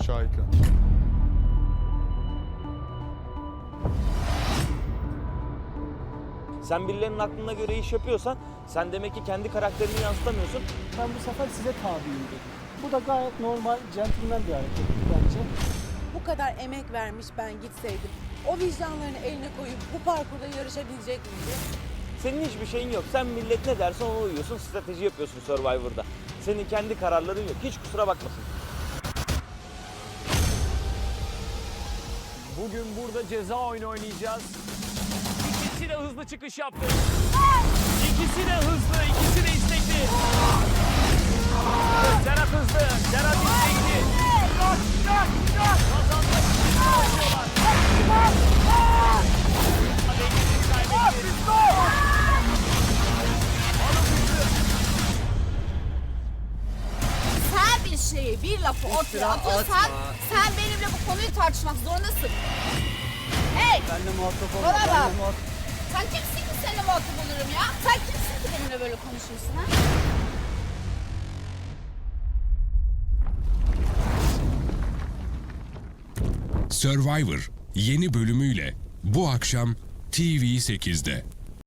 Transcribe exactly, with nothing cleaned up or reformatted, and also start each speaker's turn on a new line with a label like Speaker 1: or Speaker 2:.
Speaker 1: aşağı ekran.
Speaker 2: Sen birilerinin aklına göre iş yapıyorsan sen demek ki kendi karakterini yansıtamıyorsun.
Speaker 3: Ben bu sefer size tabiyim dedim. Bu da gayet normal, centilmen bir hareket bence.
Speaker 4: Bu kadar emek vermiş ben gitseydim. O vicdanlarını eline koyup bu parkurda yarışabilecek miydi?
Speaker 2: Senin hiçbir şeyin yok. Sen millet ne derse ona uyuyorsun, strateji yapıyorsun Survivor'da. Senin kendi kararların yok. Hiç kusura bakmasın.
Speaker 5: Bugün burada ceza oyunu oynayacağız. İkisi de hızlı çıkış yaptı. İkisi de hızlı, ikisi de istekli. Serhat hızlı, Serhat istekli. Kazanmak için savaşıyorlar. Dengesini kaybetti.
Speaker 6: Sen bir şeyi, bir lafı ortaya atıyorsan sen benimle bu konuyu tartışmak zorundasın. Hey!
Speaker 3: Benle muhatap olma,
Speaker 6: Bana
Speaker 3: benle
Speaker 6: bak.
Speaker 3: muhatap.
Speaker 6: Sen kimsin ki seninle muhatap olurum ya? Sen kimsin ki benimle böyle konuşuyorsun ha?
Speaker 7: Survivor yeni bölümüyle bu akşam T V sekizde.